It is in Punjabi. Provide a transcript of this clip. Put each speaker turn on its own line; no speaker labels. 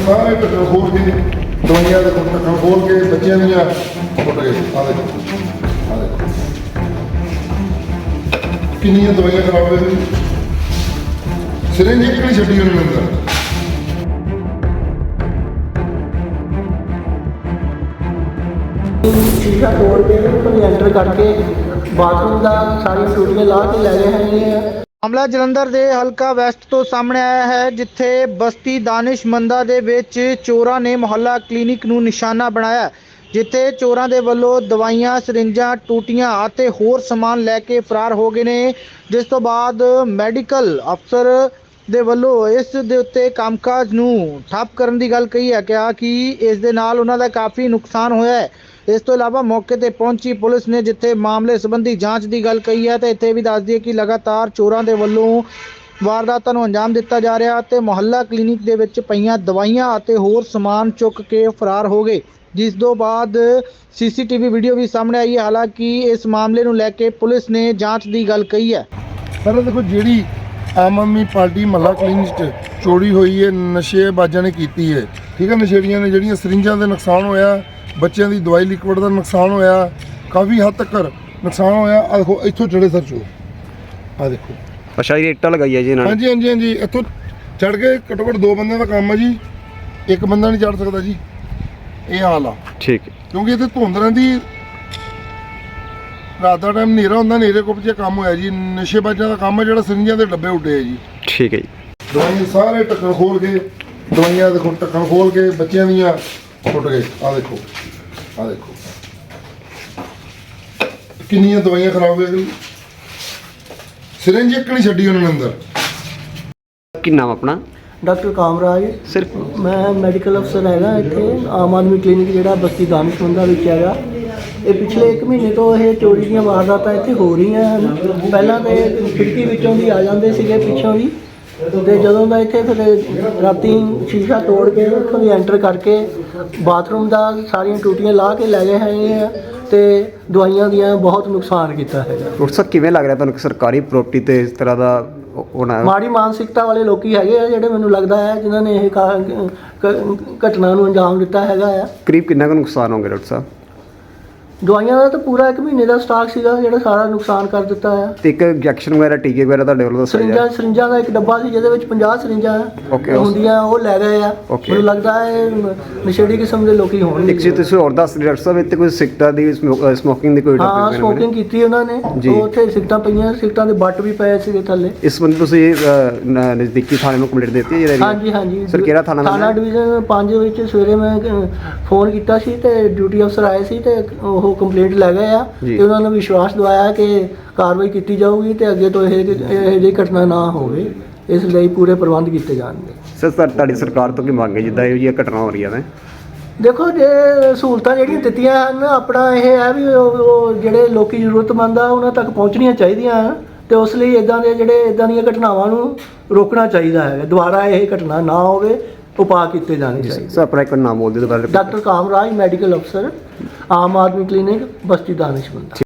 सारे ढक्कन खोल के दवाइयां के ढक्कन खोल के बच्चों दियां फुट गए। आ देखो कितनी दवाइयां खराब हो गई। सिरिंज एक नहीं छड्डी उन्होंने अंदर।
शीशा तोड़ के एंटर करके बाथरूम का सारी टूटियां ला के ले गए हैं।
ਮਾਮਲਾ ਜਲੰਧਰ ਦੇ ਹਲਕਾ ਵੈਸਟ ਤੋਂ ਸਾਹਮਣੇ ਆਇਆ ਹੈ, ਜਿੱਥੇ ਬਸਤੀ ਦਾਨਿਸ਼ਮੰਦਾ ਦੇ ਵਿੱਚ ਚੋਰਾਂ ਨੇ ਮੁਹੱਲਾ ਕਲੀਨਿਕ ਨੂੰ ਨਿਸ਼ਾਨਾ ਬਣਾਇਆ, ਜਿੱਥੇ ਚੋਰਾਂ ਦੇ ਵੱਲੋਂ ਦਵਾਈਆਂ, ਸਰਿੰਜਾਂ, ਟੂਟੀਆਂ ਅਤੇ ਹੋਰ ਸਮਾਨ ਲੈ ਕੇ ਫਰਾਰ ਹੋ ਗਏ ਨੇ। ਜਿਸ ਤੋਂ ਬਾਅਦ ਮੈਡੀਕਲ ਅਫਸਰ ਦੇ ਵੱਲੋਂ ਇਸ ਦੇ ਉੱਤੇ ਕੰਮਕਾਜ ਨੂੰ ਠੱਪ ਕਰਨ ਦੀ ਗੱਲ ਕਹੀ ਹੈ, ਕਿਹਾ ਕਿ ਇਸ ਦੇ ਨਾਲ ਉਹਨਾਂ ਦਾ ਕਾਫੀ ਨੁਕਸਾਨ ਹੋਇਆ ਹੈ। ਇਸ ਤੋਂ ਇਲਾਵਾ ਮੌਕੇ ਤੇ ਪਹੁੰਚੀ ਪੁਲਿਸ ਨੇ ਜਿੱਥੇ ਮਾਮਲੇ ਸੰਬੰਧੀ ਜਾਂਚ ਦੀ ਗੱਲ ਕਹੀ ਹੈ, ਤੇ ਇੱਥੇ ਵੀ ਦੱਸ ਦਈਏ ਕਿ ਲਗਾਤਾਰ ਚੋਰਾਂ ਦੇ ਵੱਲੋਂ ਵਾਰਦਾਤਾਂ ਨੂੰ ਅੰਜਾਮ ਦਿੱਤਾ ਜਾ ਰਿਹਾ ਤੇ ਮੁਹੱਲਾ ਕਲੀਨਿਕ ਦੇ ਵਿੱਚ ਪਈਆਂ ਦਵਾਈਆਂ ਅਤੇ ਹੋਰ ਸਮਾਨ ਚੁੱਕ ਕੇ ਫਰਾਰ ਹੋ ਗਏ, ਜਿਸ ਤੋਂ ਬਾਅਦ ਸੀਸੀਟੀਵੀ ਵੀਡੀਓ ਵੀ ਸਾਹਮਣੇ ਆਈ ਹੈ। ਹਾਲਾਂਕਿ ਇਸ ਮਾਮਲੇ ਨੂੰ ਲੈ ਕੇ ਪੁਲਿਸ ਨੇ ਜਾਂਚ ਦੀ ਗੱਲ ਕਹੀ ਹੈ।
पर देखो जी आम आदमी पार्टी महला क्लीनिक च चोरी हुई है, नशेबाजां ने की है, ठीक है। नशेड़ियां ने ਜਿਹੜੀਆਂ ਸਰਿੰਜਾਂ ਦੇ ਨੁਕਸਾਨ ਹੋਇਆ, ਬੱਚਿਆਂ ਦੀ ਦਵਾਈ ਲਿਕਵਿਡ ਦਾ ਨੁਕਸਾਨ ਹੋਇਆ, ਕਾਫੀ ਹੱਦ ਤੱਕ ਨੁਕਸਾਨ ਹੋਇਆ। ਆ ਦੇਖੋ ਇੱਥੋਂ ਚੜੇ ਸਰ ਚੋ, ਆ ਦੇਖੋ।
ਅੱਛਾ ਜੀ, ਇੱਟਾਂ ਲਗਾਈ ਹੈ ਜੀ ਇਹਨਾਂ ਨੇ।
ਹਾਂਜੀ ਹਾਂਜੀ ਹਾਂਜੀ, ਇੱਥੋਂ ਚੜ ਕੇ ਘੱਟੋ ਘੱਟ 2 ਬੰਦਿਆਂ ਦਾ ਕੰਮ ਹੈ ਜੀ, ਇੱਕ ਬੰਦਾ ਨਹੀਂ ਚੜ ਸਕਦਾ ਜੀ। ਇਹ ਹਾਲ ਆ,
ਠੀਕ ਹੈ।
ਕਿਉਂਕਿ ਇੱਥੇ ਧੁੰਦ ਰਹਿੰਦੀ, ਰਾਤ ਦਾ ਟਾਈਮ ਹਨੇਰਾ ਹੁੰਦਾ, ਹਨੇਰੇ ਕੁੱਪ 'ਚ ਕੰਮ ਹੋਇਆ ਜੀ। ਨਸ਼ੇਬਾਜ਼ਾਂ ਦਾ ਕੰਮ ਹੈ ਜਿਹੜਾ ਸਰਿੰਜਾਂ ਦੇ ਡੱਬੇ ਉੱਡੇ ਆ ਜੀ।
ਠੀਕ ਹੈ ਜੀ।
ਦਵਾਈਆਂ ਸਾਰੇ ਢੱਕਣ ਖੋਲ ਕੇ, ਦਵਾਈਆਂ ਦੇਖੋ ਢੱਕਣ ਖੋਲ ਕੇ ਬੱਚਿਆਂ ਦੀਆਂ ਫੁੱਟ ਗਏ। ਆ ਦੇਖੋ ਕਿੰਨੀਆਂ ਦਵਾਈਆਂ ਖਰਾਬ ਹੋ ਗਈ। ਸਿਰਿੰਜ ਇੱਕ ਨਹੀਂ ਛੱਡੀ ਉਹਨਾਂ ਨੇ ਅੰਦਰ।
ਕੀ ਨਾਮ ਆਪਣਾ?
ਡਾਕਟਰ ਕਾਮਰਾਜ
ਸਰ,
ਮੈਂ ਮੈਡੀਕਲ ਅਫਸਰ ਹੈਗਾ ਇੱਥੇ ਆਮ ਆਦਮੀ ਕਲੀਨਿਕ ਜਿਹੜਾ ਬਸਤੀ ਦਾਨਿਸ਼ਮੰਦਾ ਵਿੱਚ ਹੈਗਾ। ਇਹ ਪਿਛਲੇ 1 ਮਹੀਨੇ ਤੋਂ ਇਹ ਚੋਰੀ ਦੀਆਂ ਵਾਰਦਾਤਾਂ ਇੱਥੇ ਹੋ ਰਹੀਆਂ ਹਨ। ਪਹਿਲਾਂ ਤਾਂ ਖਿੜਕੀ ਵਿੱਚੋਂ ਦੀ ਆ ਜਾਂਦੇ ਸੀਗੇ, ਪਿੱਛੋਂ ਦੀ, ਤੇ ਜਦੋਂ ਦਾ ਇੱਥੇ ਫਿਰ ਰਾਤੀ ਸ਼ੀਸ਼ਾ ਤੋੜ ਕੇ ਉੱਥੋਂ ਦੀ ਐਂਟਰ ਕਰਕੇ ਬਾਥਰੂਮ ਦਾ ਸਾਰੀਆਂ ਟੂਟੀਆਂ ਲਾ ਕੇ ਲੈ ਗਏ ਹੈਗੇ ਆ, ਤੇ ਦਵਾਈਆਂ ਦੀਆਂ ਬਹੁਤ ਨੁਕਸਾਨ ਕੀਤਾ ਹੈਗਾ।
ਡਾਕਟਰ ਸਾਹਿਬ ਕਿਵੇਂ ਲੱਗ ਰਿਹਾ ਤੁਹਾਨੂੰ ਕਿ ਸਰਕਾਰੀ ਪ੍ਰਾਪਰਟੀ ਤੇ ਇਸ ਤਰ੍ਹਾਂ ਦਾ ਹੋਣਾ?
ਮਾੜੀ ਮਾਨਸਿਕਤਾ ਵਾਲੇ ਲੋਕੀ ਹੈਗੇ ਆ ਜਿਹੜੇ ਮੈਨੂੰ ਲੱਗਦਾ ਹੈ ਜਿਨ੍ਹਾਂ ਨੇ ਇਹ ਘਟਨਾ ਨੂੰ ਅੰਜਾਮ ਦਿੱਤਾ ਹੈਗਾ ਆ।
ਕਰੀਬ ਕਿੰਨਾ ਕੁ ਨੁਕਸਾਨ ਹੋਊਗਾ ਡਾਕਟਰ ਸਾਹਿਬ?
ਦਵਾਈਆਂ ਦਾ ਤਾਂ ਪੂਰਾ 1 ਮਹੀਨੇ ਦਾ ਸਟਾਕ ਸੀਗਾ ਜਿਹੜਾ ਸਾਰਾ ਨੁਕਸਾਨ ਕਰ ਦਿੱਤਾ ਆ।
ਤੇ ਇੱਕ ਇੰਜੈਕਸ਼ਨ ਵਗੈਰਾ, ਟੀਕੇ ਵਗੈਰਾ ਤੁਹਾਡੇ ਵੱਲੋਂ ਦੱਸਿਆ ਜਾ?
ਸਰਿੰਜਾਂ ਦਾ ਇੱਕ ਡੱਬਾ ਸੀ ਜਿਹਦੇ ਵਿੱਚ 50 ਸਰਿੰਜਾਂ ਹੁੰਦੀਆਂ, ਉਹ ਲੈ ਗਏ ਆ। ਮੈਨੂੰ ਲੱਗਦਾ ਹੈ ਨਸ਼ੇੜੀ ਕਿਸਮ ਦੇ ਲੋਕੀ ਹੋਣਗੇ।
ਇੱਕ ਚੀਜ਼ ਤੁਸੀਂ ਹੋਰ ਦੱਸ ਰਹੇ ਡਾਕਟਰ ਸਾਹਿਬ, ਇੱਥੇ ਕੋਈ ਸਿਗਰਟਾਂ ਦੀ ਸਮੋਕਿੰਗ ਦੀ ਕੋਈ?
ਹਾਂ, ਸਮੋਕਿੰਗ ਕੀਤੀ ਉਹਨਾਂ ਨੇ। ਉੱਥੇ ਸਿਗਰਟਾਂ ਪਈਆਂ, ਸਿਗਰਟਾਂ ਦੇ ਬੱਟ ਵੀ ਪਏ ਸੀਗੇ ਥੱਲੇ।
ਇਸ ਸੰਬੰਧੀ ਤੁਸੀਂ ਨਜ਼ਦੀਕੀ ਥਾਣੇ ਨੂੰ ਕੰਪਲੇਂਟ ਦਿੱਤੀ ਹੈ?
ਹਾਂਜੀ।
ਸਰ ਕਿਹੜਾ ਥਾਣਾ
ਡਿਵੀਜ਼ਨ 5 ਵਿੱਚ ਸਵੇਰੇ ਮੈਂ ਫੋਨ ਕੀਤਾ ਸੀ ਤੇ ਡਿਊਟੀ ਅਫਸਰ ਆਏ ਸੀ ਤੇ ਉਹ ਕੰਪਲੇਂਟ ਲੈ ਗਏ ਆ, ਤੇ ਉਹਨਾਂ ਨੂੰ ਵਿਸ਼ਵਾਸ ਦਿਵਾਇਆ ਕਿ ਕਾਰਵਾਈ ਕੀਤੀ ਜਾਊਗੀ ਤੇ ਅੱਗੇ ਤੋਂ ਇਹ ਜਿਹੀ ਘਟਨਾ ਨਾ ਹੋਵੇ, ਇਸ ਲਈ ਪੂਰੇ ਪ੍ਰਬੰਧ ਕੀਤੇ ਜਾਣਗੇ।
ਸਰ ਤੁਹਾਡੀ ਸਰਕਾਰ ਤੋਂ ਕੀ ਮੰਗ ਹੈ ਜਿੱਦਾਂ ਇਹੋ ਜਿਹੀਆਂ ਘਟਨਾ ਹੋ ਰਹੀਆਂ ਨੇ?
ਦੇਖੋ, ਜੇ ਸਹੂਲਤਾਂ ਜਿਹੜੀਆਂ ਦਿੱਤੀਆਂ ਹਨ, ਆਪਣਾ ਇਹ ਹੈ ਵੀ ਉਹ ਜਿਹੜੇ ਲੋਕੀ ਜ਼ਰੂਰਤਮੰਦ ਆ ਉਹਨਾਂ ਤੱਕ ਪਹੁੰਚਣੀਆਂ ਚਾਹੀਦੀਆਂ ਹਨ, ਤੇ ਉਸ ਲਈ ਇਦਾਂ ਦੀਆਂ ਘਟਨਾਵਾਂ ਨੂੰ ਰੋਕਣਾ ਚਾਹੀਦਾ ਹੈ। ਦੁਬਾਰਾ ਇਹ ਘਟਨਾ ਨਾ ਹੋਵੇ, ਉਪਾਅ ਕੀਤੇ ਜਾਣੇ ਚਾਹੀਦੇ।
ਸਰ ਆਪਣਾ ਇੱਕ ਨਾਮ ਬੋਲ ਦਿਓ ਦੁਬਾਰਾ।
ਡਾਕਟਰ ਕਾਮਰਾਜ, ਮੈਡੀਕਲ ਅਫਸਰ, ਆਮ ਆਦਮੀ ਕਲੀਨਿਕ, ਬਸਤੀ ਦਾਨਿਸ਼ਮੰਦ।